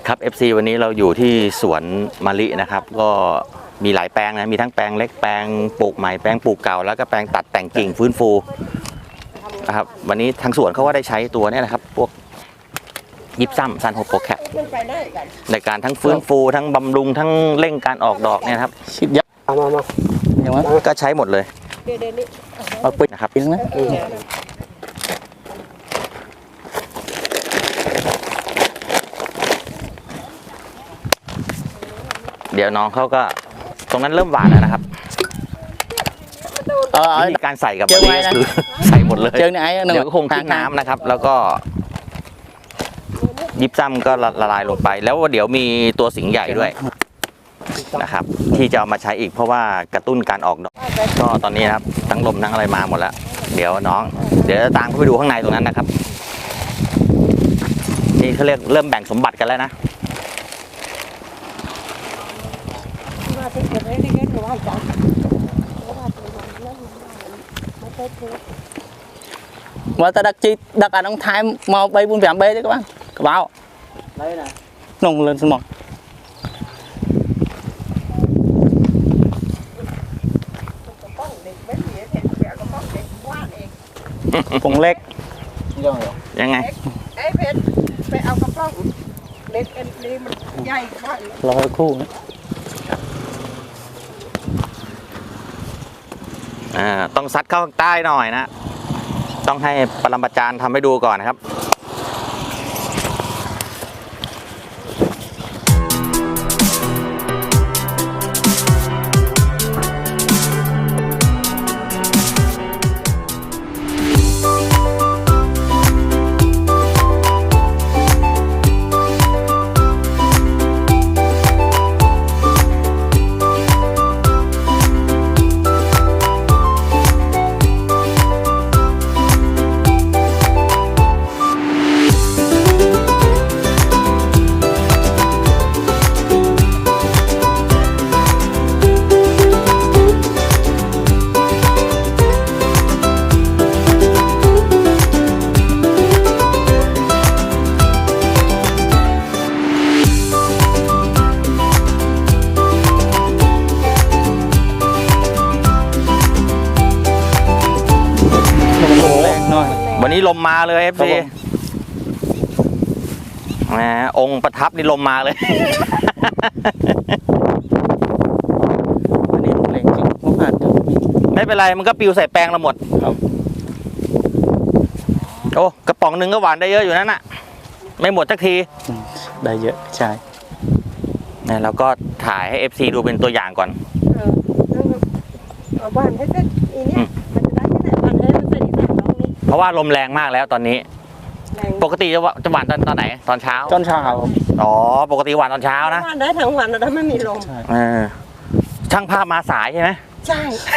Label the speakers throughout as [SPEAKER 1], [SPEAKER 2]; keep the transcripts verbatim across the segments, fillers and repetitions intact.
[SPEAKER 1] ครับ เอฟ ซี วันนี้เราอยู่ที่สวนมะลินะครับก็มีหลายแปลงนะมีทั้งแปลงเล็กแปลงปลูกใหม่แปลงปลูกเก่าแล้วก็แปลงตัดแต่งกิ่งฟื้นฟูนะครับวันนี้ทางสวนเขาก็ได้ใช้ตัวนี้นะครับพวกยิปซัมซันโฮโปรแคปในการทั้งฟื้นฟูทั้งบำรุงทั้งเร่งการออกดอกเนี่ยครับชิดยักษ์มามาอย่างนั้นก็ใช้หมดเลยเอาปิดนะครับปิดนะเดี๋ยวน้องเขาก็ตรงนั้นเริ่มหวานแล้วนะครับวิธีการใส่กับมะลิคือใส่หมดเลยเดี๋ยวก็คงทิ้งน้ำนะครับแล้วก็ยิบซ้ำก็ละลายลงไปแล้วเดี๋ยวมีตัวสิงห์ใหญ่ด้วยนะครับที่จะเอามาใช้อีกเพราะว่ากระตุ้นการออกดอกก็ตอนนี้นะครับทั้งลมทั้งอะไรมาหมดแล้วเดี๋ยวน้องเดี๋ยวตามเข้าไปดูข้างในตรงนั้นนะครับนี่เขาเรียกเริ่มแบ่งสมบัติกันแล้วนะ
[SPEAKER 2] ว่าta đặt chi đặt ở trong thái mau bay buôn vẹn bay đấy các bạn các báo đấy này nồng lên sân mỏ phồng lệch
[SPEAKER 1] ยังไง
[SPEAKER 2] รอคู่
[SPEAKER 1] อ่าต้องซัดเข้าใต้หน่อยนะต้องให้ปรมาจารย์ทำให้ดูก่อนนะครับวันนี้ลมมาเลย เอฟ ซี แหมองค์ประทับนี่ลมมาเลย
[SPEAKER 2] วันนี้ลมแรงจริงเพราะผ่าน
[SPEAKER 1] ไม่เป็นไรมันก็ปิวใส่แปลงเราหมดครับโอ้กระป๋องหนึ่งก็หวานได้เยอะอยู่นั่นน่ะไม่หมดสักที
[SPEAKER 2] ได้เยอะใช่
[SPEAKER 1] เนี่ยเราก็ถ่ายให้ เอฟ ซี ดูเป็นตัวอย่างก่อน
[SPEAKER 3] หวานให้เสร็จอีเนี่ยมันจะได้ที่ไหนหวานให้มันเสร็จอีกสามรอบนี้
[SPEAKER 1] เพราะว่าลมแรงมากแล้วตอนนี้ปกติจะจะหวานตอนตอนไหนตอนเช้า
[SPEAKER 2] ตอนเช้า
[SPEAKER 1] อ๋อปกติหวานตอนเช้านะ
[SPEAKER 3] หวานได้ทั้งวันแล้วไม่มีลม
[SPEAKER 1] เออช่างภาพมาสายใช่ไหม
[SPEAKER 3] ใช่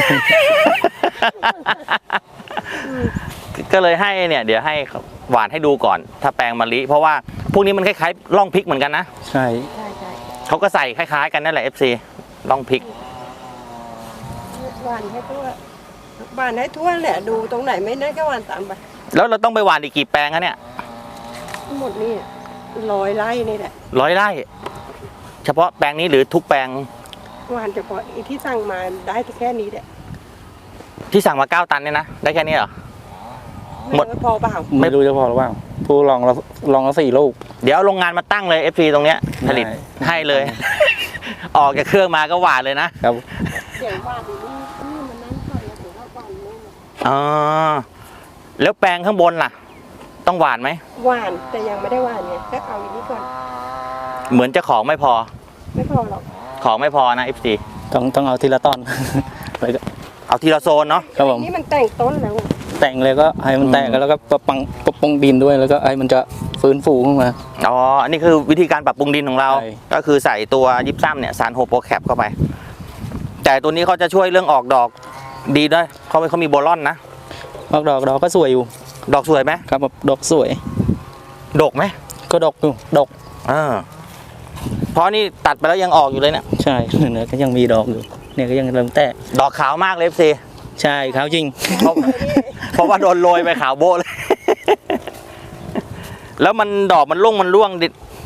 [SPEAKER 1] ก็เลยให้เนี่ยเดี๋ยวให้หวานให้ดูก่อนถ้าแปลงมะลิเพราะว่าพวกนี้มันคล้ายๆร่องพริกเหมือนกันนะ
[SPEAKER 2] ใช่
[SPEAKER 3] ใช่ใช่
[SPEAKER 1] เขาก็ใส่คล้ายๆกันนั่นแหละ เอฟ ซี ร่องพริก
[SPEAKER 3] หวานให้ทั่วหวานให้ทั่วแหละดูตรงไหนไม่ได้ก็หวานตามไป
[SPEAKER 1] แล้วเราต้องไปหวานอีกกี่แปลงคะเนี่ย
[SPEAKER 3] หมดนี่ร้อยไร่นี่แหละ
[SPEAKER 1] ร้อยไร่เฉพาะแปลงนี้หรือทุกแปลง
[SPEAKER 3] หวานเฉพาะที่สั่งมาได้แค่นี้แหละ
[SPEAKER 1] ที่สั่งมาเก้าตันเนี่ยนะได้แค่นี้เหรอ
[SPEAKER 3] หมดพอเปล่า
[SPEAKER 2] ไม่รู้จะพอหรือเปล่าผู้ลองเราลองเราสี่ลูก
[SPEAKER 1] เดี๋ยวโรงงานมาตั้งเลย เอฟ ซี ตรงเนี้ยผลิตให้เลย ออกจากเครื่องมาก็หวานเลยนะครับ
[SPEAKER 3] เสียงหวานนี่นี่มันนั่นก่อนแล้วถึงเราหวานเลย
[SPEAKER 1] อ๋อแล้วแปลงข้างบนล่ะต้องหวานไหม
[SPEAKER 3] หวานแต่ยังไม่ได้หวานไงก็เอาอย่างนี้ก่อน
[SPEAKER 1] เหมือนจะของไม่พอ
[SPEAKER 3] ไม่พอหรอก
[SPEAKER 1] ของไม่พอนะ เอฟ ซี
[SPEAKER 2] ต้องต้องเอาทีละตอน
[SPEAKER 1] เอาทีละโซนเนาะ
[SPEAKER 3] ครับผมนี่มันแต่งต้นแล้ว
[SPEAKER 2] แต่งเลยก็ให้มันแตกแล้วก็ปรับปรุงปรับปรุงดินด้วยแล้วก็ให้มันจะฟื้นฟูขึ้นมา
[SPEAKER 1] อ๋ออันนี้คือวิธีการปรับปรุงดินของเราก็คือใส่ตัวยิปซัมเนี่ยซันโฮโปรแคปเข้าไปแต่ตัวนี้เขาจะช่วยเรื่องออกดอกดีด้วยเขาเขามีโบลอนนะ
[SPEAKER 2] ออกดอกดอกก็สวยอยู่
[SPEAKER 1] ดอกสวยไหม
[SPEAKER 2] ครับดอกสวย
[SPEAKER 1] ดกไหม
[SPEAKER 2] ก็ดกอยู่ดก
[SPEAKER 1] อ่าเพราะนี่ตัดไปแล้วยังออกอยู่เลยเนี่ย
[SPEAKER 2] ใช่เนี่ยก็ยังมีดอกอยู่เนี่ยก็ยังเริ่มแตก
[SPEAKER 1] ดอกขาวมากเลย เอฟ ซี
[SPEAKER 2] ใช่ขาวจริง
[SPEAKER 1] เพราะเพราะว่าโดนโรยไปขาวโบเลยแล้วมันดอกมันร่วงมันร่วง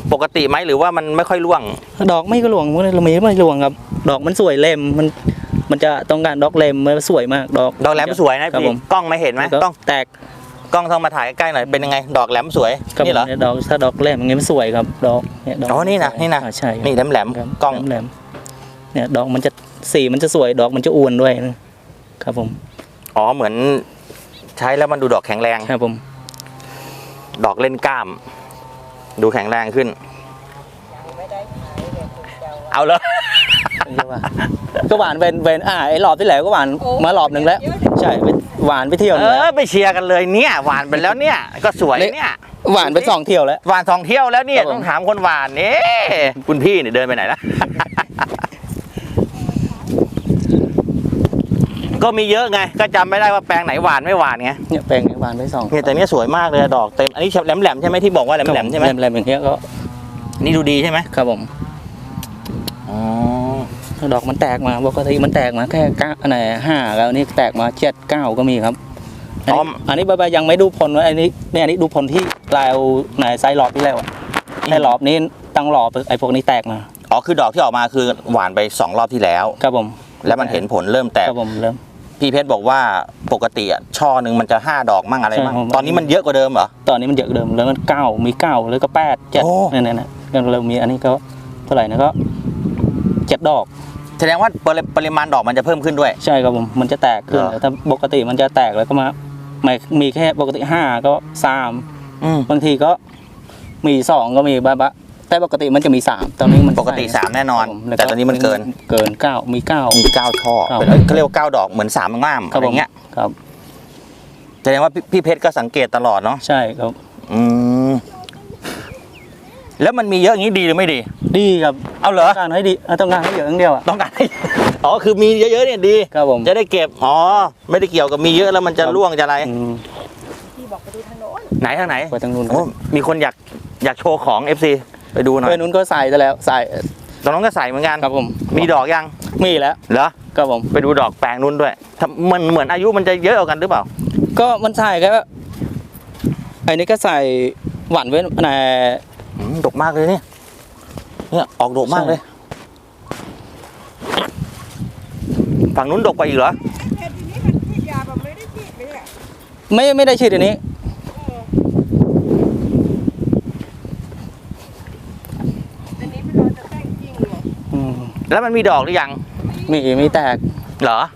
[SPEAKER 1] ปกติไหมหรือว่ามันไม่ค่อยร่วง
[SPEAKER 2] ดอกไม่ก็หลวงมันมีไม่หลวงครับดอกมันสวยเล่มมันมันจะต้องการดอกเล่มมันสวยมากดอก
[SPEAKER 1] ดอกแหลมสวยนะครับ พี่
[SPEAKER 2] ผม
[SPEAKER 1] กล้องไม่เห็นไหมกล้อง
[SPEAKER 2] แตก
[SPEAKER 1] กล้องต้องมาถ่ายใกล้ๆหน่อยเป็นยังไงดอกแหลมสวย
[SPEAKER 2] ครับ
[SPEAKER 1] นี่เหรอ
[SPEAKER 2] ผมยดอกถ้าดอกเล่มอย่างเงี้ยมันสวยครับดอกเนี่ยดอก
[SPEAKER 1] อ๋อนี่นะนี่นะ
[SPEAKER 2] อ่าใช่ครับ
[SPEAKER 1] นี่แหลมแหลม
[SPEAKER 2] ครับ
[SPEAKER 1] กล้อง
[SPEAKER 2] แหลมๆเนี่ยดอกมันจะสีมันจะสวยดอกมันจะอ้วนด้วยครับผม
[SPEAKER 1] อ๋อเหมือนใช้แล้วมันดูดอกแข็งแรง
[SPEAKER 2] ครับผม
[SPEAKER 1] ดอกเล่นกล้าม ดูแข็งแรงขึ้น เอาเลย
[SPEAKER 2] ก็หวานเวนเวนอ่าไอ้รอบที่แล้วก็หวานมารอบหนึ่งแล้ว ใช่ไปหวานไปเที่ยวห
[SPEAKER 1] เอ
[SPEAKER 2] นึ่งแล้ว
[SPEAKER 1] อไปเชียร์กันเลยเนี่ยหวานไปแล้วเนี่ยก็สวยเนี่ย
[SPEAKER 2] หวานไปสองเที่ยวแล้ว
[SPEAKER 1] หวานสองเที่ยวแล้วเนี่ย
[SPEAKER 2] ครับผม
[SPEAKER 1] ต้องถามคนหวานนี่คุณพี่เนี่ยเดินไปไหนละ ก็มีเยอะไงก็จำไม่ได้ว่าแปลงไหนหวานไม่หวานไง
[SPEAKER 2] เนี่ยแปลงเนี่ยหวานไปสอง
[SPEAKER 1] เนี่ยแต่เนี้ยสวยมากเลยดอกเต็มอันนี้แหลมแหลมๆใช่ไหมที่บอกว่าแหลมแหลมๆใช่ไหม
[SPEAKER 2] แหลมๆอย่างเงี้ยก็
[SPEAKER 1] นี่ดูดีใช่ไหม
[SPEAKER 2] ครับผม
[SPEAKER 1] อ๋อ
[SPEAKER 2] ดอกมันแตกมาปกติมันแตกมาแค่เก้าอันไหนห้าแล้วนี่แตกมาเจ็ดเก้าก็มีครับอันนี้อันนี้ใบๆยังไม่ดูผลว่าอันนี้เนี่ยอันนี้ดูผลที่ปลายเอาไหนไซส์หลอบที่แล้วอะไอ้หลอบนี้ตั้งหลอบไอ้พวกนี้แตกมา
[SPEAKER 1] อ๋อคือดอกที่ออกมาคือหวานไปสองรอบที่แล้ว
[SPEAKER 2] ครับผม
[SPEAKER 1] แล้วมันเห็นผลเริ่มแตก
[SPEAKER 2] ครับผมเริ่ม
[SPEAKER 1] พี่เพชรบอกว่าปกติอ่ะช่อหนึ่งมันจะห้าดอกมั่งอะไรมั่ง
[SPEAKER 2] ใช่ครับ
[SPEAKER 1] ตอนนี้มันเยอะกว่าเดิมเหรอ
[SPEAKER 2] ตอนนี้มันเยอะเดิมแล้วมันเก้ามีเก้าแล้วก็แปดเจ็ด
[SPEAKER 1] โอ้
[SPEAKER 2] เนี่ยเนี่ยเนี่ยก็เริ่มมีอันนี้ก็เท่าไหร่นะก็เจ็ดดอก
[SPEAKER 1] แสดงว่าปริปริมาณดอกมันจะเพิ่มขึ้นด้วย
[SPEAKER 2] ใช่ครับผมมันจะแตกขึ้น
[SPEAKER 1] เหรอ
[SPEAKER 2] ถ้าปกติมันจะแตกแล้วก็มาไม่มีแค่ปกติห้าก็สาม
[SPEAKER 1] อืม
[SPEAKER 2] บางทีก็มีสองก็มีบ้าบะแต่ปกติมันจะมีสามตอนนี้มัน
[SPEAKER 1] ปกติสามแน่นอน
[SPEAKER 2] ครับผมล้ว
[SPEAKER 1] แต่ตอนนี้มันเกิน
[SPEAKER 2] เกินเก้ามีเก้า
[SPEAKER 1] มีเก้าช่อ
[SPEAKER 2] ครับ
[SPEAKER 1] เป็นเอ้ยเขาเรียกว่าเก้าดอกเหมือนสามง่าม
[SPEAKER 2] ครั
[SPEAKER 1] อะ
[SPEAKER 2] บ
[SPEAKER 1] ไร
[SPEAKER 2] ผม
[SPEAKER 1] เงี้ย
[SPEAKER 2] ครับ
[SPEAKER 1] แสดงว่าพี่พี่เพชรก็สังเกตตลอดเนาะ
[SPEAKER 2] ใช่ครับ
[SPEAKER 1] อืมแล้วมันมีเยอะอย่างนี้ดีหรือไม่ดี
[SPEAKER 2] ดีครับ
[SPEAKER 1] เอาเหรอ
[SPEAKER 2] ต้องการให้ดีเออต้องการให้เยอะอย่างเดียวอ่ะ
[SPEAKER 1] ต้องการให้ อ๋อคือมีเยอะๆเนี่ยดี
[SPEAKER 2] ครับผม
[SPEAKER 1] จะได้เก็บอ๋อไม่ได้เกี่ยวกับมีเยอะแล้วมันจะร่วงจะอะไร
[SPEAKER 2] อืม
[SPEAKER 3] ที่บอกไปดูถนน
[SPEAKER 1] ไหนทางไหน
[SPEAKER 2] ไปทางนู้น
[SPEAKER 1] โอ้มีคนอยากอยากโชว์ของ เอฟ ซี ไปดูหน่อย
[SPEAKER 2] ไปนู้นก็ใส่ไปแล้วใส่
[SPEAKER 1] ตรงนั้นก็ใส่เหมือนกัน
[SPEAKER 2] ครับผม
[SPEAKER 1] มีดอกยัง
[SPEAKER 2] มีแล้ว
[SPEAKER 1] เหรอ
[SPEAKER 2] ครับผม
[SPEAKER 1] ไปดูดอกแปลงนู้นด้วยทำมันเหมือนอายุมันจะเยอะกว่ากันหรือเปล่า
[SPEAKER 2] ก็มันใส่แค่ไอ้นี่ก็ใส่หวานไว้ใน
[SPEAKER 1] อืมดกมากเลยเนี่ยเนี่ยออกดกมากเลย ฝั่งนู้นดกกว่าอีกเหรอ
[SPEAKER 3] แต่ทีนี้มันฉีดยาแบบไม่ได้ฉีดเลยอ่ะ
[SPEAKER 2] ไม่ไม่ได้ฉีดอันนี้
[SPEAKER 3] อันนี้เป็นเราจะแต่งจริงเหรอ
[SPEAKER 2] อืม
[SPEAKER 1] แล้วมันมีดอกหรือยัง
[SPEAKER 2] มีมีแตก
[SPEAKER 1] เหรอ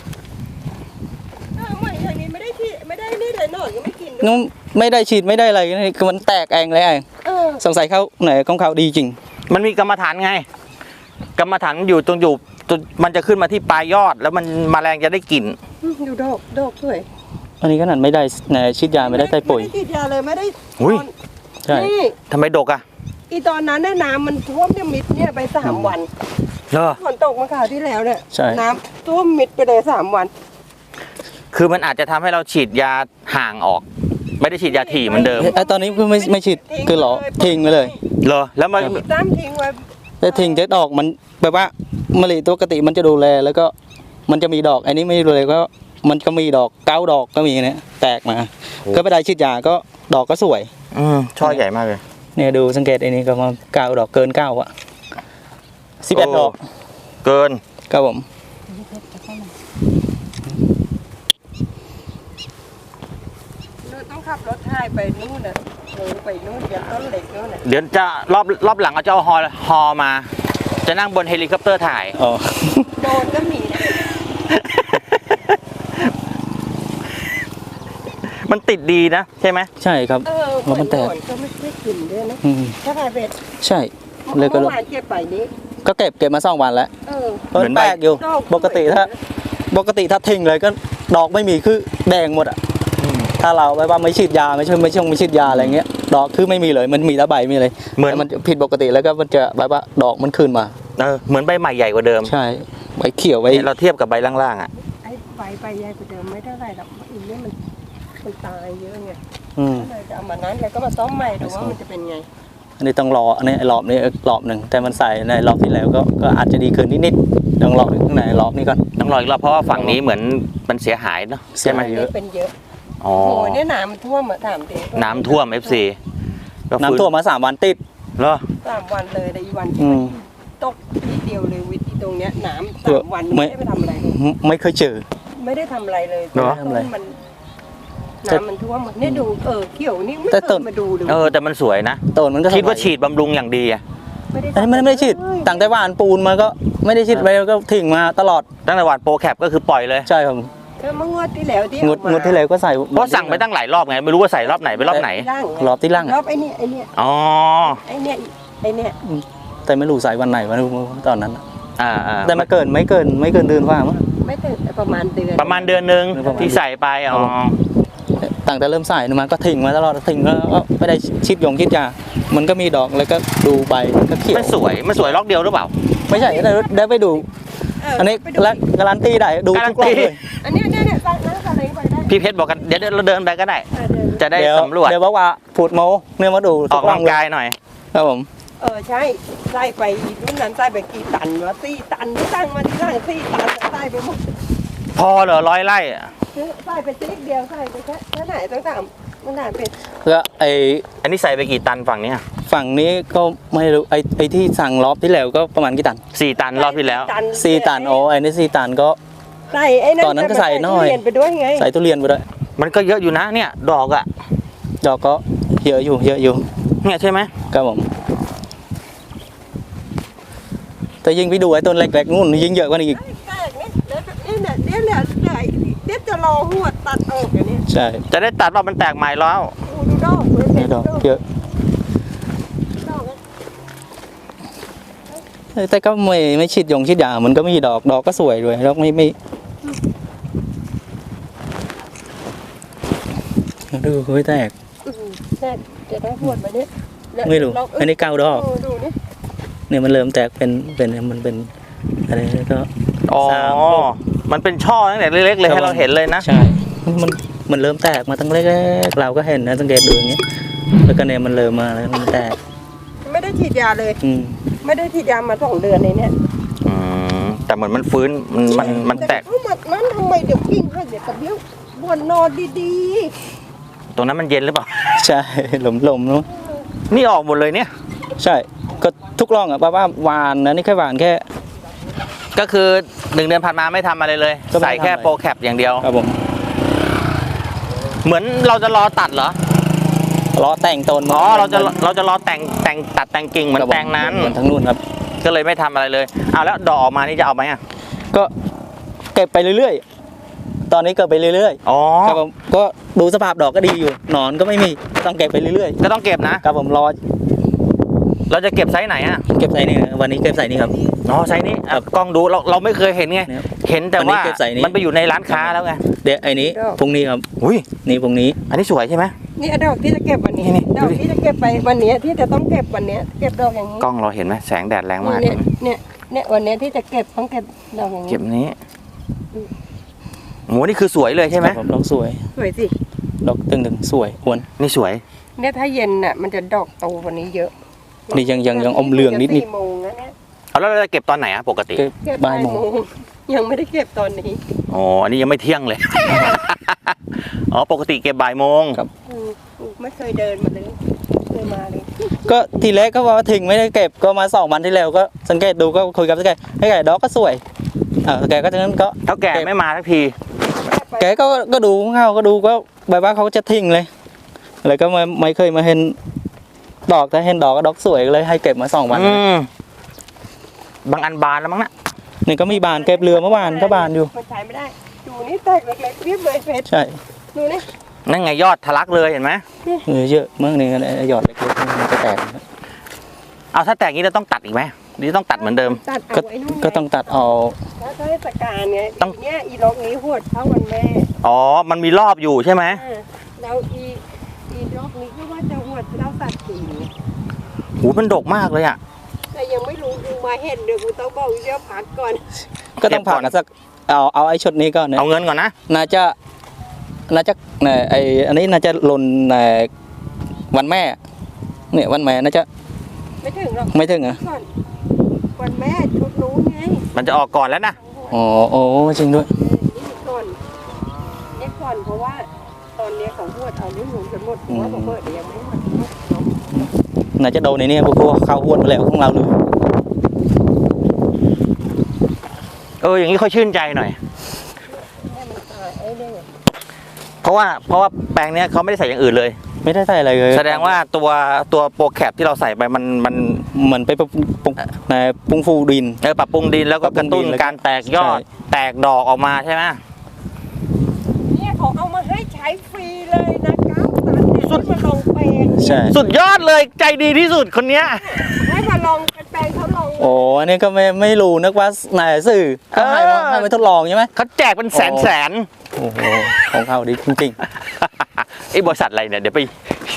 [SPEAKER 3] อ้าวไม่อย่างนี้ไม่ได้ฉีดไม่ได้นี่เลยหนอนก็ไม่กินด้วย
[SPEAKER 2] นู้นไม่ได้ฉีดไม่ได้อะไรนี่คือมันแตกเองเลยไอ้
[SPEAKER 3] เออ
[SPEAKER 2] สงสัยเขาไหนของเขาดีจริง
[SPEAKER 1] มันมีกรรมฐานไง กรรมฐานอยู่ตรงอยู่ตรงมันจะขึ้นมาที่ปลายยอด แล้วมันแมลงจะได้กลิ่น
[SPEAKER 3] ดูดอกดอกสวย
[SPEAKER 2] อันนี้ขนาดไม่ได้ไหนฉีดยาไม่ได้ใส่ปุ๋ย
[SPEAKER 3] ไม่ได้ฉีดยาเลยไม่ได้
[SPEAKER 1] อุ้ย
[SPEAKER 3] ตอน
[SPEAKER 2] ใช่
[SPEAKER 3] นี่
[SPEAKER 1] ทำไมดกอ่ะ
[SPEAKER 3] อีตอนนั้นเนี่ยน้ำมันท่วมเนี่ยมิดเนี่ยไปสามวัน
[SPEAKER 1] เหรอ
[SPEAKER 3] ฝนตกมาข่าวที่แล้วเนี่ย
[SPEAKER 2] ใช่
[SPEAKER 3] น้ำท่วมมิดไปเลยสามวัน
[SPEAKER 1] คือมันอาจจะทำให้เราฉีดยาห่างออก ไม่ได้ฉีดยาถี่เหมือนเดิม
[SPEAKER 2] ไอ้ตอนนี้คือไม่ไม่ฉีดคือหรอทิ้งไปเลย
[SPEAKER 1] เหรอ แล้วมัน
[SPEAKER 3] จ้ำทิ้งไว้
[SPEAKER 2] แต่ทิ้งจะดอกมันแบบว่ามะลิตัวปกติมันจะดูแลแล้วก็มันจะมีดอกอันนี้ไม่ดูเลยก็มันก็มีดอกเก้าดอกก็มีเนี่ยแตกมา ก็ไปได้ฉีดยาก็ดอกก็สวย
[SPEAKER 1] อืมช่อใหญ่มากเลย
[SPEAKER 2] เนี่ยดูสังเกตอันนี้ก็มาเก้าดอกเกินเก้าอะสิบเอ็ด
[SPEAKER 1] โอ้
[SPEAKER 2] ดอก
[SPEAKER 1] เกิน
[SPEAKER 2] ครับผม
[SPEAKER 3] เราต้องขับรถถ่ายไปนู่นน่ะโอ้ไปนู่นยันต้นเหล็กนู่นน่ะ
[SPEAKER 1] เดี๋ยวจะรอบรอบหลังเอาจะเอาฮอฮอมา จะนั่งบนเฮลิคอปเตอร์ถ่าย
[SPEAKER 2] อ๋อ
[SPEAKER 3] โดนก็มีนะ
[SPEAKER 1] มันติดดีนะใช่ไหม
[SPEAKER 2] ใช่ครับ
[SPEAKER 3] เออ
[SPEAKER 2] แล้วมันแตก
[SPEAKER 3] หก็ไม่ได้กินด้วยนะ
[SPEAKER 2] อืม
[SPEAKER 3] ถ้าถ่ายเป็ด
[SPEAKER 2] ใช่เลยก็
[SPEAKER 3] เมื่อวานเก็บไปนี้
[SPEAKER 2] ก็เก็บเก็บมาสองวันแล้ว
[SPEAKER 3] เออ
[SPEAKER 2] เพราะมันแปลกอยู่
[SPEAKER 3] ดอก
[SPEAKER 2] ปกติถ้าปกติถ้าทิ้งเลยก็ดอกไม่มีคือแดงหมดอ่ะถ้าเราไว้ว่าไม่ฉีดยาไม่ใช่ไม่ช่วงไม่ฉีดยาอะไรเงี้ยดอกคือไม่มีเลยมันมีแต่ใบมีเลย
[SPEAKER 1] เหมือน
[SPEAKER 2] แต่มันผิดปกติแล้วก็มันจะแบบว่าดอกมันขึ้นมา
[SPEAKER 1] เออเหมือนใบใหม่ใหญ่กว่าเดิม
[SPEAKER 2] ใช่ใบเขียวใบ
[SPEAKER 1] เนี่ยเราเทียบกับใบล่างๆอ่ะ
[SPEAKER 3] ไอ้ใบใบใหญ่กว่าเดิมไม่เท่าไหร่หรอกอีกนี่มันมันตายเยอะไง
[SPEAKER 2] อืม
[SPEAKER 3] ก็เลยจะเอามานั้นแล้วก็มาซ่อมใหม่ดูว่ามันจะเป็นไง
[SPEAKER 2] อันนี้ต้องรออันนี้รอบนี้รอบหนึ่งแต่มันใส่ในรอบที่แล้วก็ก็อาจจะดีขึ้นนิดๆต้องรอข้างในรอบนี้ก่อน
[SPEAKER 1] ต้องรออีกรอบเพราะว่าฝั่งนี้เหมือนมันเสียหายเนาะใช่ไหม
[SPEAKER 2] เยอะ
[SPEAKER 3] เป็นเยอะ
[SPEAKER 1] อ๋อ
[SPEAKER 3] โอ้โหเนี่ยน้ำมันท่วมอะถามดิ
[SPEAKER 1] น้ำท่วม เอฟ ซี
[SPEAKER 2] น้ำท่วมมาสามวันติด
[SPEAKER 1] เหรอ
[SPEAKER 3] สามวันเลยแต่อีวัน
[SPEAKER 2] อืม
[SPEAKER 3] ตกทีเดียวเลยวิธีตรงเนี้ยน้ำสามวันไม่ได้ไปทำอะไรเลย
[SPEAKER 2] ไม่ไม่เคยเจอ
[SPEAKER 3] ไม่ได้ทำอะไรเลย
[SPEAKER 2] เหรอทำอะไร
[SPEAKER 3] มันน้ำมันท่วมหมดเนี่ยดูเออเขียวนี่ไม่
[SPEAKER 2] แต่
[SPEAKER 3] เค
[SPEAKER 2] ต้
[SPEAKER 3] ย
[SPEAKER 2] น
[SPEAKER 3] มาดูเลย
[SPEAKER 1] เออแต่มันสวยนะ
[SPEAKER 2] ต้นมันก็
[SPEAKER 1] คิดว่า
[SPEAKER 2] สบย
[SPEAKER 1] ฉีดบำรุงอย่างดีอะ
[SPEAKER 3] ไม่ได้
[SPEAKER 2] อันนี้ไม่ได้ไม่ได้ฉีดตั้งแต่หว่านปูนมาก็ไม่ได้ฉีดไปก็ทิ้งมาตลอด
[SPEAKER 1] ตั้งแต่หวานโปรแคปก็คือปล่อยเลย
[SPEAKER 2] ใช่ครับ
[SPEAKER 3] เออเมื่องวดที่แล้วที่
[SPEAKER 2] งดงดที่แล้วก็ใส่
[SPEAKER 1] เพราะสั่งไปตั้งหลายรอบไงไม่รู้ว่าใส่รอบไหนไปรอบไหน
[SPEAKER 3] ร่าง
[SPEAKER 2] รอบที่ล่าง
[SPEAKER 3] ร
[SPEAKER 2] อะ
[SPEAKER 3] อบไอ้เนี่ยไอ้เนี่ย
[SPEAKER 1] อ๋อ
[SPEAKER 3] ไอ้เนี่ยไอ้เนี่ย
[SPEAKER 2] แต่ไม่รู้ใส่วันไหนวันตอนนั้นอะ
[SPEAKER 1] อ่าอ่า
[SPEAKER 2] แต่มาเกินไม่เกินไม่เกินเดือนว่ามั้ง
[SPEAKER 3] ไม่ถึงประมาณเดือน
[SPEAKER 1] ประมาณเดือนหนึ่ง
[SPEAKER 2] ประมาณ
[SPEAKER 1] ที่ใส่ไปอ๋อ
[SPEAKER 2] ตั้งแต่เริ่มใส่มาก็ทิ้งมาตลอดทิ้งแล้วก็ไม่ได้ชิดยงชิดยามันก็มีดอกแล้วก็ดูใบก็เขียว
[SPEAKER 1] มันสวยมันสวยล็อกเดียวหรือเปล่า
[SPEAKER 2] ไม่ใช่ได้ได้ไปดู
[SPEAKER 3] เออ
[SPEAKER 2] อันนี้
[SPEAKER 3] ไปดู
[SPEAKER 2] และการันตีได้ดูทุกรอบเลย
[SPEAKER 3] อันเนี้ยเนี่ยเนี่ยตั้งนั่งอะไรไปได้
[SPEAKER 1] พี่เพชรบอกกันเดี๋ยวเดี๋ยวเราเดินไปก็ได้
[SPEAKER 3] อ่ะเดิน
[SPEAKER 1] จะได้
[SPEAKER 2] เดี๋ยว
[SPEAKER 1] สำรวจ
[SPEAKER 2] เดี๋ยวบอกว่าพูดโมเนี่ยมาดู
[SPEAKER 1] ออกกำลังกายหน่อย
[SPEAKER 2] ครับผม
[SPEAKER 3] เออใช่ใส่ไปรุ่นนั้นใส่ไปกี่ตันวะสี่ตันที่ตั้งมาที่ตั้งสี่ตันใส่ไปหมด
[SPEAKER 1] พอเหรอร้อยไร่อะ
[SPEAKER 3] ใส่ไปติ๊กเดียวใส่ไปแค่แค่ไหนต้องถามมันถามเป็น
[SPEAKER 2] ก็ไอ
[SPEAKER 1] อันนี้ใส่ไปกี่ตันฝั่งเนี้ย
[SPEAKER 2] ฝั่งนี้ก็ไม่รู้ไอไอที่สั่งรอบที่แล้วก็ประมาณกี่ตัน
[SPEAKER 1] สี่ตันรอบที่แล้ว
[SPEAKER 2] สี่ตันโอ้ไอนี่สี่ตันก็
[SPEAKER 3] ใส่ไอ้นั่น
[SPEAKER 2] ตอนนั้นก็ใส่น้อย
[SPEAKER 3] เรียนไปด้วยไง
[SPEAKER 2] ใส่ทุเรียนไปด้วย
[SPEAKER 1] มันก็เยอะอยู่นะเนี่ยดอกอะ
[SPEAKER 2] ดอกก็เยอะอยู่เยอะอยู่
[SPEAKER 1] เนี่ยใช่ไหม
[SPEAKER 2] ครับผมแต่ยิ่งไปดูไอ้ต้นเล็กๆนู่นยิ่งเยอะกว่านี้อีก
[SPEAKER 3] แปลกเนี่ยเดี๋ยวเนี่ยเดี๋ยวเนี่ยเดี๋ยวเดี๋ยวจะรอหัวตัดออกอย่างนี้
[SPEAKER 2] ใช่
[SPEAKER 1] จะได้ตัดว่ามันแตกใหม่แล้ว
[SPEAKER 3] ดูดูดอกเลย
[SPEAKER 2] ไอ้ดอกเยอะ
[SPEAKER 3] ดอกนะ
[SPEAKER 2] แต่ก็ไม่ไม่ชิดยงชิดยามันก็มีดอกดอกก็สวยด้วยดอกไม่ไม่ดูเฮ้ยแตก
[SPEAKER 3] อืมแต่จะได้หัวมาเนี่ยเนี่ย
[SPEAKER 2] ไม่รู้
[SPEAKER 3] ลง
[SPEAKER 2] อันนี้เก้าดอก
[SPEAKER 3] เดูนี่
[SPEAKER 2] เนี่ยมันเริ่มแตกเป็นเป็นมันเป็นอะไรก็
[SPEAKER 1] อ๋อ
[SPEAKER 2] สามหก
[SPEAKER 1] มันเป็นช่อตั้งแต่เล็กๆเลยให้เราเห็นเลยนะ
[SPEAKER 2] ใช่มันมันเริ่มแตกมาตั้งเล็กๆเราก็เห็นนะสังเกตดูอย่างเงี้ยแล้วก็เนี่ยมันเริ่มมาแล้วมันแตก
[SPEAKER 3] ไม่ได้ฉีดยาเลย
[SPEAKER 2] อืม
[SPEAKER 3] ไม่ได้ฉีดยามาสองเดือนเลยเนี่ย
[SPEAKER 1] อืมแต่เหมือนมันฟื้นมันมันมันแตก
[SPEAKER 3] เอ้ามันนั้นทำไมเดี๋ยวกิ้งให้เดี๋ยวกระเบี้ยวบนนอนดี
[SPEAKER 1] ตรงนั้นมันเย็นหรือเปล่า
[SPEAKER 2] ใช่หลมหลมๆเนาะ
[SPEAKER 1] นี่ออกหมดเลยเนี่ย
[SPEAKER 2] ใช่ก็ทุกร่องอ่ะป้าว่าหวานนะนี่แค่หวานแค่
[SPEAKER 1] ก็คือหนึ่งเดือนผ่านมาไม่ทำอะไรเลย
[SPEAKER 2] ก็ไม่
[SPEAKER 1] ใส่แค่
[SPEAKER 2] ทำอะไร
[SPEAKER 1] โปรแคปอย่างเดียว
[SPEAKER 2] ครับผม
[SPEAKER 1] เหมือนเราจะรอตัดเหรอ
[SPEAKER 2] ล้อแต่งต้น
[SPEAKER 1] อ๋อเราจะเราจะรอแต่งแต่งตัดแต่งกิ่งเหมือน
[SPEAKER 2] ครับผ
[SPEAKER 1] แปลงนั้น
[SPEAKER 2] เหมือนทั้งนู่นครับ
[SPEAKER 1] ก็เลยไม่ทำอะไรเลยเอาแล้วดอกออกมานี่จะเอาไหมอ่ะ
[SPEAKER 2] ก็เก็บไปเรื่อยๆ ตอนนี้เก็บไปเรื่อย
[SPEAKER 1] อ๋อ
[SPEAKER 2] ๆครับผมก็ดูสภาพดอกก็ดีอยู่หนอนก็ไม่มีต้องเก็บไปเรื่อย
[SPEAKER 1] ก็ต้องเก็บนะ
[SPEAKER 2] ๆครับผมรอ
[SPEAKER 1] เราจะเก็บไซส์ไหนอ่ะ
[SPEAKER 2] เก็บใส่นี่วันนี้เก็บใส่นี่ครับ
[SPEAKER 1] อ๋อไซส์นี้อ่ะ
[SPEAKER 2] ครับ
[SPEAKER 1] กล้องดูเราเราไม่เคยเห็นไง
[SPEAKER 2] เนี่ย
[SPEAKER 1] เห็นแต่
[SPEAKER 2] วันนี้
[SPEAKER 1] ว่า
[SPEAKER 2] เก็บไซส์นี้
[SPEAKER 1] มันไปอยู่ในร้านค้าแล้วไง
[SPEAKER 2] เดี๋ยวไอ้นี้พรุ่งนี้ครับ
[SPEAKER 1] อุ้ย
[SPEAKER 2] นี่พรุ่งนี้
[SPEAKER 1] อันนี้สวยใช่ไหม
[SPEAKER 3] ๆนี่ดอกที่จะเก็บวันนี้
[SPEAKER 1] นี่
[SPEAKER 3] ดอก
[SPEAKER 1] ดูดิ
[SPEAKER 3] ที่จะเก็บไปวันนี้ที่จะต้องเก็บวันนี้เก็บดอกอย่างนี้
[SPEAKER 1] กล้องเราเห็นไหมแสงแดดแรงมาก
[SPEAKER 3] เนี่ยเนี่ยเนี่ยวันนี้ที่จะเก็บต้องเก็บดอกอย่างนี้
[SPEAKER 1] เก็บนี้โหนี่คือสวยเลยใช่ไหม
[SPEAKER 2] ครับผมดอกสวย
[SPEAKER 3] สวยสิ
[SPEAKER 2] ดอกตึงๆสวยควร
[SPEAKER 1] นี่สวย
[SPEAKER 3] เนี่ยถ้าเย็นน่ะมันจะดอกโตกว่านี้เยอะ
[SPEAKER 2] นี่ยังยังยังอมเหลืองนิด
[SPEAKER 3] จะสี่โมงแล้วเนี่ย
[SPEAKER 1] เอาแล้วเราจะเก็บตอนไหนอะปกติ
[SPEAKER 2] ๆเก็บ
[SPEAKER 3] เก็บ
[SPEAKER 2] บ่ายโมง
[SPEAKER 3] ยังไม่ได้เก็บตอนนี้
[SPEAKER 1] อ๋ออันนี้ยังไม่เที่ยงเลย อ๋อปกติเก็บบ่ายโมง
[SPEAKER 3] อืมไม่เคยเดินมาเลยเคยมาเลย
[SPEAKER 2] ก็ทีแรกก็ว่าถึงไม่ได้เก็บก็มาสองวันที่แล้วก็สังเกตดูก็คุยกับสแกให้แกดอกก็สวยอ่าแกก็ฉะนั้นก็
[SPEAKER 1] เท่าแก่ไม่มาทักที
[SPEAKER 2] แกก็ก็ดูเงาก็ดูก็แบบว่าเขาจะทิ้งเลยแล้วก็ไม่ไม่เคยมาเห็นดอกถ้าเห็นดอกก็ดอกสวยเลยให้เก็บมาสองวัน
[SPEAKER 1] อืมบางอันบานแล้วมั้งนะ
[SPEAKER 2] นี่ก็มีบานเก็บเรือเมื่อวานก็บานอยู่
[SPEAKER 3] มันใช้ไม่ได้ดูนี่แตกเล็กๆเรียบเลยเพชร
[SPEAKER 2] ใช่
[SPEAKER 3] ดูนี่
[SPEAKER 1] นั่นไงยอดทะลักเลยเห็นไหม
[SPEAKER 2] เออเยอะมากนี่ก็หยอดเล็กๆมันจะแตก
[SPEAKER 1] เอาถ้าแตกนี้เราต้องตัดอีกไหมหรือต้องตัดเหมือนเดิม
[SPEAKER 3] ตัด
[SPEAKER 2] ก็
[SPEAKER 3] เอาไว้นู่นไ
[SPEAKER 2] ก็ต้องตัดเอา
[SPEAKER 3] แล้วเทศกาลไง
[SPEAKER 1] ต้อง
[SPEAKER 3] อีเนี่ยอีล็อกนี้หวดเท่าวันแม่
[SPEAKER 1] อ๋อมันมีรอบอยู่ใช่ไหม
[SPEAKER 3] อ่าแล้วอีอีล็อกนี้ก็ว่าจะหวดเท่าตัดสี
[SPEAKER 1] หูมันดกมากเลยอ่ะ
[SPEAKER 3] แต่ยังไม่รู้กูมาเห็นเดี๋ยวกูต้องบอกเดี๋ยวพักก่อน
[SPEAKER 2] ก็ต้องผ่านกันสักเอาเอาไอ้ชุดนี้ก็เนี่ย
[SPEAKER 1] เอาเงินก่อนนะ
[SPEAKER 2] น่าจะน่าจะเนี่ยไออันนี้น่าจะหล่นในวันแม่เนี่ยวันแม่น่าจะ
[SPEAKER 3] ไม่ถึงหรอก
[SPEAKER 2] ไม่ถึงเหรอ่ะ
[SPEAKER 3] ก่อนวันแม่ชุดนู้นไง
[SPEAKER 1] มันจะออกก่อนแล้วนะ
[SPEAKER 2] อ๋อโอ้จริงด้วย
[SPEAKER 3] เออนี่ก่อนนี่ก่อนเพราะว่าตอนเนี้ยเขาหวดเอานิ้วหมุนกันหมดเพราะว่าผมเปิดเดี๋ยวยังไม่หมดเนาะ
[SPEAKER 2] น่าจะโดนในนี้พวกเข้าหวดมาแล้วของเราเลย
[SPEAKER 1] เอออย่างนี้ค่อยชื่นใจหน่อย
[SPEAKER 3] ให้มันตายไอ้เนี่ย
[SPEAKER 1] เพราะว่าเพราะว่าแปลงเนี้ยเขาไม่ได้ใส่อย่างอื่นเลย
[SPEAKER 2] ไม่ได้ใส่อะไรเลย
[SPEAKER 1] แสดงว่าตัวตัวโปรแคปที่เราใส่ไปมันมัน
[SPEAKER 2] เหมือนไปปรุงปรุงในปรุงฟูดิน
[SPEAKER 1] เออปรับปรุงดินแล้วก็กระตุ้น
[SPEAKER 2] ปรับปรุงดิน
[SPEAKER 1] การแตกยอด
[SPEAKER 2] ใช่
[SPEAKER 1] แตกดอกออกมาใช่ไหม
[SPEAKER 3] เนี่ยเขาเอามาให้ใช้ฟรีเลยนะเก้าตันเนี่ยให้มาลองแปลง
[SPEAKER 2] ใช่
[SPEAKER 1] สุดยอดเลยใจดีที่สุดคนเนี้ย
[SPEAKER 3] ให้มาลองแปลงเขาลอง
[SPEAKER 2] โอ้อันนี้ก็ไม่ไม่รู้นึกว่านายสื่อก็ให้มาให้มาทดลองใช่ไหม
[SPEAKER 1] เขาแจกเป็นแสนแสน
[SPEAKER 2] โอ้โหของเขาดีจริง
[SPEAKER 1] ไอ้บริษัทอะไรเนี่ยเดี๋ยวไป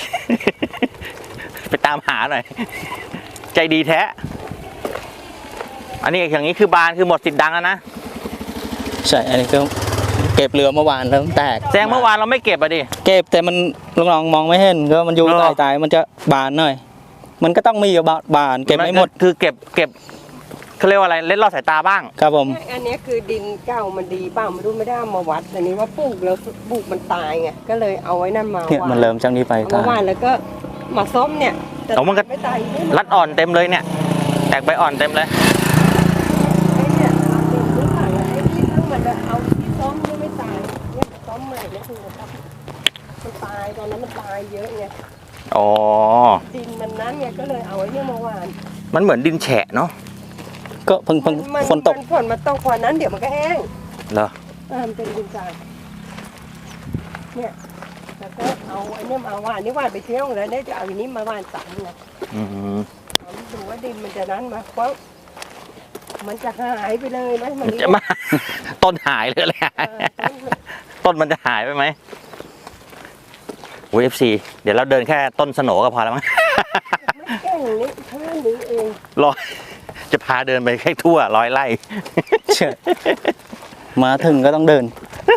[SPEAKER 1] ไปตามหาหน่อย ใจดีแท้ อันนี้อย่างนี้คือบานคือหมดสิทธิ์ดังแล้วนะ
[SPEAKER 2] ๆใช่อันนี้ก็เก็บเรือเมื่อวานแล้วแตก
[SPEAKER 1] แสดงเมื่อวานเราไม่เก็บอะดิ
[SPEAKER 2] เก็บแต่มันลองๆมองไม่เห็นก็มันอยู่
[SPEAKER 1] เหรอ
[SPEAKER 2] ตายๆมันจะบานหน่อย มันก็ต้องมีอยู่บานเก็บไม่หมด
[SPEAKER 1] คือเก็บเก็บเขาเรียกว่าอะไรเล่นลอดสายตาบ้าง
[SPEAKER 2] ครับผม
[SPEAKER 3] อันนี้คือดินเก่ามันดีเปล่าไม่รู้ไม่ได้เอามาวัดแต่นี้ว่าปลูกแล้วปลูกมันตายไงก็เลยเอาไว้นั่นมา
[SPEAKER 2] เนี่ย
[SPEAKER 3] วา
[SPEAKER 2] มัน
[SPEAKER 3] น
[SPEAKER 2] เริ่มจากนี้ไป
[SPEAKER 3] เอา
[SPEAKER 2] ตาม
[SPEAKER 3] าย วานแล้วก็มาส้มเนี่ยแต่
[SPEAKER 1] เอามันก็
[SPEAKER 3] ไม่ตายไม่
[SPEAKER 1] รัดอ่อนเต็มเลยเนี่ย แตกใบอ่อนเต็มเลย
[SPEAKER 3] ไอ้เนี่ยเราเป็นไม่ตายไอ้ที่ทั้งมันจะเอาที่ส้มนี่ไม่ตายเนี่ยส้มใหม่เนี่ยคือมันตายตอนนั้นมันตายเยอะไง
[SPEAKER 1] อ๋อ
[SPEAKER 3] ดินมันนั้นไงก็เลยเอาไว้เนี่ยมาวาน
[SPEAKER 1] มันเหมือนดินแฉะเนาะ
[SPEAKER 2] ก็เพิ่งเพิ่ง
[SPEAKER 3] มั
[SPEAKER 2] ฝนตก
[SPEAKER 3] มัฝนมาตกกว่านั้นเดี๋ยวมันก็แห้ง
[SPEAKER 1] เหรอ
[SPEAKER 3] อ่ามันเป็นดินทรายเนี่ยแล้วก็เอาไอ้เนี่ยมาวานนี่วานไปเที่ยวแล้วเนี่ยจะเอาอันนี้มาวานสามไง
[SPEAKER 1] อืม
[SPEAKER 3] เอาดูว่าดินมันจะนั้นมาเพราะมันจะหายไปเลยไหมมัน
[SPEAKER 1] จะมา ต้นหายเลยแหละ
[SPEAKER 3] เออต้น
[SPEAKER 1] ต้นมันจะหายไปไหมโอ้ยเอฟซีเดี๋ยวเราเดินแค่ต้นสโหนก็พอแล้วมั้ง
[SPEAKER 3] ไม่แก่งนี้แค่นี้เอง
[SPEAKER 1] ร้อยจะพาเดินไปแค่ทั่วร้อยไร่
[SPEAKER 2] เชื่อมาถึงก็ต้องเดิน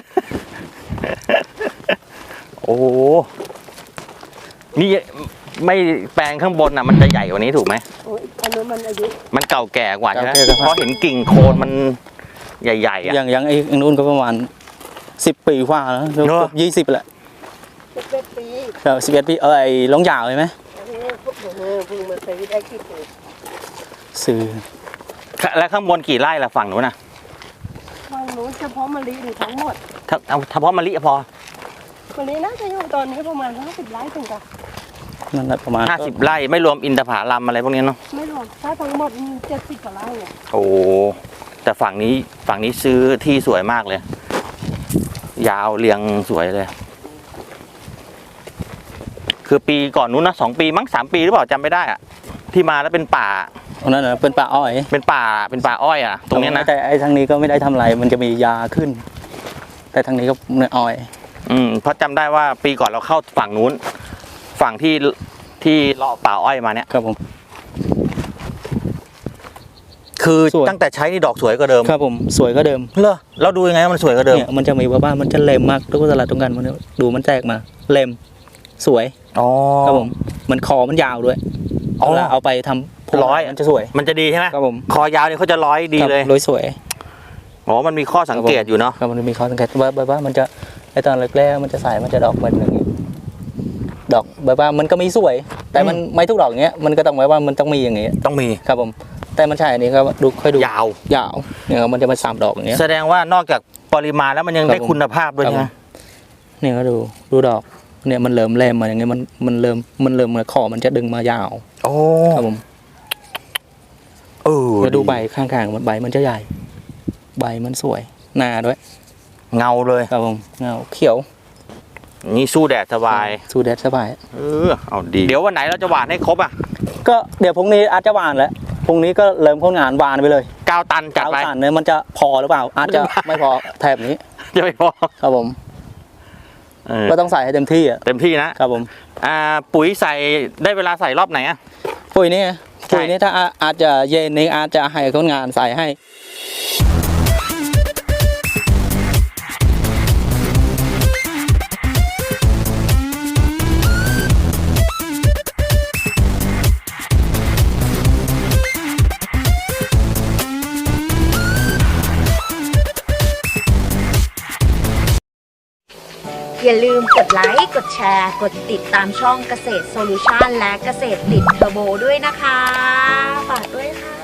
[SPEAKER 1] โอ้โหนี่ไม่แปลงข้างบนอ่ะมันจะใหญ่กว่านี้ถูกไหม
[SPEAKER 3] โอ้ยอันนั้นมันอายุ
[SPEAKER 1] มันเก่าแก่กว่าใช่ไหม
[SPEAKER 2] เก่าแก่กว่า
[SPEAKER 1] เพราะเห็นกิ่งโคนมันใหญ่ๆอ่ะ
[SPEAKER 2] อย่างอย่างไอ้อันนู้นก็ประมาณสิบปีกว่าแล้วเกื
[SPEAKER 1] เนอะ
[SPEAKER 2] อบยี่สิบแหละ
[SPEAKER 3] สิบเอ็ดปี
[SPEAKER 2] สิบเอ็ดปีเออไอ้ลงยาวใช่ไหม
[SPEAKER 3] อันนี้พวกเออเพิ่งมาซื้อได้กี่ปี
[SPEAKER 2] ซื้อ
[SPEAKER 1] แล้วข้างบนกี่ไร่ล่ะฝั่งนู้นน่ะ
[SPEAKER 3] ทางนู้นเฉพาะมะลิหรือทั้งหมด
[SPEAKER 1] ถ้าเอาเฉพาะมะลิพอ
[SPEAKER 3] มะลิน่าจะอยู่ตอนนี้ประมาณห้าสิบไร่ถึงกับ
[SPEAKER 2] นั่นแหละประมาณ
[SPEAKER 1] ห้าสิบไร่ไม่รวมอินทผลัมอะไรพวกนี้เนาะ
[SPEAKER 3] ไม่รวมถ้าทั้งหมดมีเจ็ดสิบกว่าไร่เนี่ย
[SPEAKER 1] โอ้แต่ฝั่งนี้ฝั่งนี้ซื้อที่สวยมากเลย ยาวเรียงสวยเลย คือปีก่อนนู้นนะสองปีมั้งสามปีหรือเปล่าจำไม่ได้อะที่มาแล้วเป็นป่า
[SPEAKER 2] ตรงนั้นนะเป็นป่าอ้อย
[SPEAKER 1] เป็นป่าเป็นป่าอ้อยอ่ะ ตรงเนี้ยนะ
[SPEAKER 2] แต่ไอ้ทางนี้ก็ไม่ได้ทำอะไรมันจะมียาขึ้น แต่ทางนี้ก็เนื้ออ้อย
[SPEAKER 1] อืมเพราะจำได้ว่าปีก่อนเราเข้าฝั่งนู้น ฝั่งที่ที่เลาะป่าอ้อยมาเนี่ย
[SPEAKER 2] ครับผม
[SPEAKER 1] คือ
[SPEAKER 2] สวย
[SPEAKER 1] ตั้งแต่ใช้นี่ดอกสวยกว่าเดิม
[SPEAKER 2] ครับผมสวยก็เดิม
[SPEAKER 1] เหรอเราดูยังไงว่ามันสวยกว่าเดิม
[SPEAKER 2] เนี่ยมันจะมีว่าบ้านมันจะเล็มมากทุกสลัดตรงกันมันดูมันแตกมาเล็มสวย
[SPEAKER 1] อ๋อ
[SPEAKER 2] ครับผมมันคอมันยาวด้วย
[SPEAKER 1] อ๋อ
[SPEAKER 2] เวลาเอาไปทำพวง
[SPEAKER 1] ร้อย
[SPEAKER 2] มันจะสวย
[SPEAKER 1] มันจะดีใช่ไหม
[SPEAKER 2] ครับผม
[SPEAKER 1] คอยาวนี่เขาจะร้อยดีเลย
[SPEAKER 2] ครับร้อยสวย
[SPEAKER 1] อ๋อมันมีข้อสังเกตอยู่เนาะ
[SPEAKER 2] ครับมันมีข้อสังเกตว่าแบบว่ามันจะไอตอนแรกๆมันจะใส่มันจะดอกมันอย่างนี้ดอกแบบว่ามันก็มีสวย แต่มันไม่ทุกดอกอย่างเงี้ยมันก็ต้องไว้ว่ามันต้องมีอย่างเงี้ย
[SPEAKER 1] ต้องมี
[SPEAKER 2] ครับผมแต่มันใช่อันนี้ก็ดูค่อยดู
[SPEAKER 1] ยาว
[SPEAKER 2] ยาวเนี่ยครับมันจะมาสามดอกอย่างเงี้ย
[SPEAKER 1] แสดงว่านอกจากปริมาณแล้วมันยัง
[SPEAKER 2] ครับ
[SPEAKER 1] ได้
[SPEAKER 2] ผม
[SPEAKER 1] คุณภาพด้วย
[SPEAKER 2] ครับ
[SPEAKER 1] ใช่ไหม
[SPEAKER 2] เนี่ยก็ดูดูดอกเนี่ยมันเริ่มแรมมาอย่างเงี้ยมันมันเริ่มมันเริ่มมาขอมันจะดึงมายาว
[SPEAKER 1] โอ้
[SPEAKER 2] ครับผม
[SPEAKER 1] เออ
[SPEAKER 2] แล้วดูใบข้างๆมันใบมันจะใหญ่ ใบมันสวยหนาด้วย
[SPEAKER 1] เงาเลย
[SPEAKER 2] ครับผมเงาเขียว
[SPEAKER 1] นี่สู้แดดสบาย
[SPEAKER 2] สูดแดดสบาย
[SPEAKER 1] เออเอาดีเดี๋ยววันไหนเราจะหวานให้ครบอ่ะ
[SPEAKER 2] ก็เดี๋ยวพรุ่งนี้อาจจะหวานแล้วพรุ่งนี้ก็เริ่มพ้นงานหวานไปเลย
[SPEAKER 1] เก้าตันจัด
[SPEAKER 2] เอา
[SPEAKER 1] ไป
[SPEAKER 2] สั่นเนี่ยมันจะพอหรือเปล่า อาจจะไม่พอแถบนี้
[SPEAKER 1] จะไม่พอ
[SPEAKER 2] ครับผม
[SPEAKER 1] เออ
[SPEAKER 2] ก็ต้องใส่ให้เต็มที่อ่ะ
[SPEAKER 1] เต็มที่นะครับ
[SPEAKER 2] ผม
[SPEAKER 1] อ่าปุ๋ยใส่ได้เวลาใส่รอบไหนอ่ะ
[SPEAKER 2] ปุ๋ยนี่ไง
[SPEAKER 1] ใช่
[SPEAKER 2] ปุ๋ยนี่ถ้าอาอาจจะเย็นนี้อาจจะให้คนงานใส่ให้
[SPEAKER 4] อย่าลืมกดไลค์กดแชร์กดติดตามช่องเกษตรโซลูชันและเกษตรติดเทอร์โบด้วยนะคะฝากด้วยค่ะ